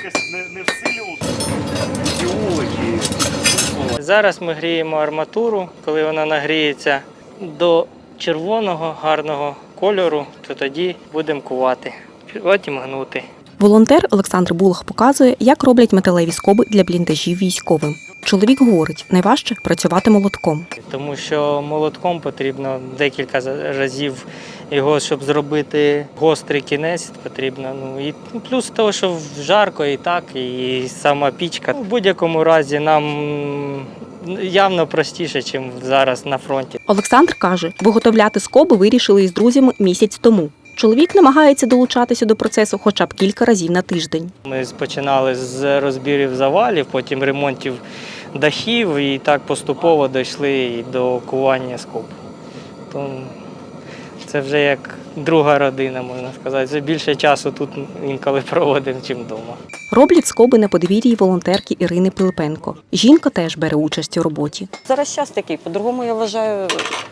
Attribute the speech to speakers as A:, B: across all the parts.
A: стійкість не в силі ідеології.
B: Зараз ми гріємо арматуру. Коли вона нагріється до червоного гарного кольору, то тоді будемо кувати, потім гнути.
C: Волонтер Олександр Булах показує, як роблять металеві скоби для бліндажів військовим. Чоловік говорить, найважче працювати молотком.
B: Тому що молотком потрібно декілька разів його, щоб зробити гострий кінець, потрібно. І плюс того, що жарко і так, і сама пічка. В будь-якому разі нам явно простіше, ніж зараз на фронті.
C: Олександр каже, виготовляти скоби вирішили із друзями місяць тому. Чоловік намагається долучатися до процесу хоча б кілька разів на тиждень.
B: Ми починали з розбірів завалів, потім ремонтів дахів і так поступово дійшли і до кування скоб. То це вже як друга родина, можна сказати. Це більше часу тут інколи проводимо, ніж вдома.
C: Роблять скоби на подвір'ї волонтерки Ірини Пилипенко. Жінка теж бере участь у роботі.
D: Зараз час такий, по-другому я вважаю,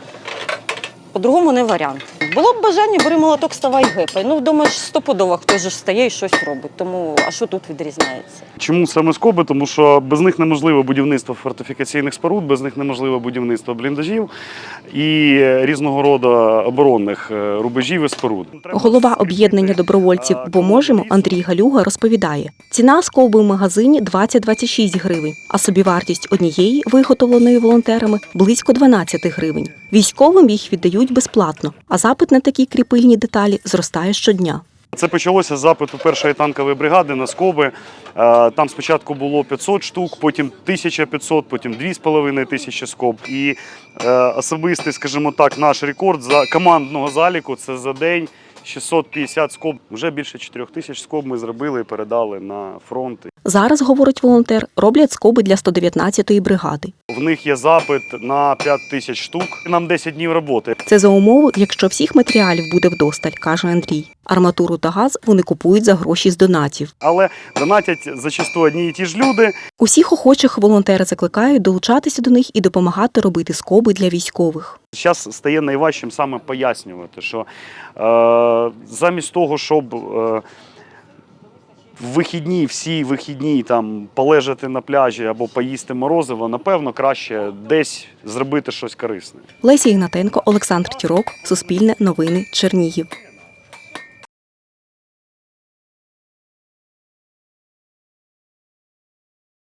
D: по-другому не варіант. Було б бажання, бери молоток, ставай гепай. Думаєш, стопудово хтось же встає і щось робить. Тому, а що тут відрізняється?
A: Чому саме скоби? Тому що без них неможливо будівництво фортифікаційних споруд, без них неможливо будівництво бліндажів і різного роду оборонних рубежів і споруд.
C: Голова об'єднання добровольців «Бо можемо» Андрій Галюга розповідає, ціна скоби в магазині 20-26 гривень, а собівартість однієї, виготовленої волонтерами, близько 12 гривень. Військовим їх віддають безплатно, а запит на такі кріпильні деталі зростає щодня.
A: Це почалося з запиту першої танкової бригади на скоби. Там спочатку було 500 штук, потім 1500, потім 2500 скоб. І особистий, скажімо так, наш рекорд за командного заліку – це за день 650 скоб. Вже більше 4000 скоб ми зробили і передали на фронт.
C: Зараз, говорить волонтер, роблять скоби для 119-ї бригади.
A: В них є запит на 5000 штук. Нам 10 днів роботи.
C: Це за умови, якщо всіх матеріалів буде вдосталь, каже Андрій. Арматуру та газ вони купують за гроші з донатів.
A: Але донатять зачасту одні і ті ж люди.
C: Усіх охочих волонтери закликають долучатися до них і допомагати робити скоби для військових.
A: Зараз стає найважчим саме пояснювати, що замість того, щоб всі вихідні там полежати на пляжі або поїсти морозиво, напевно, краще десь зробити щось корисне.
C: Леся Ігнатенко, Олександр Тірок, Суспільне новини, Чернігів.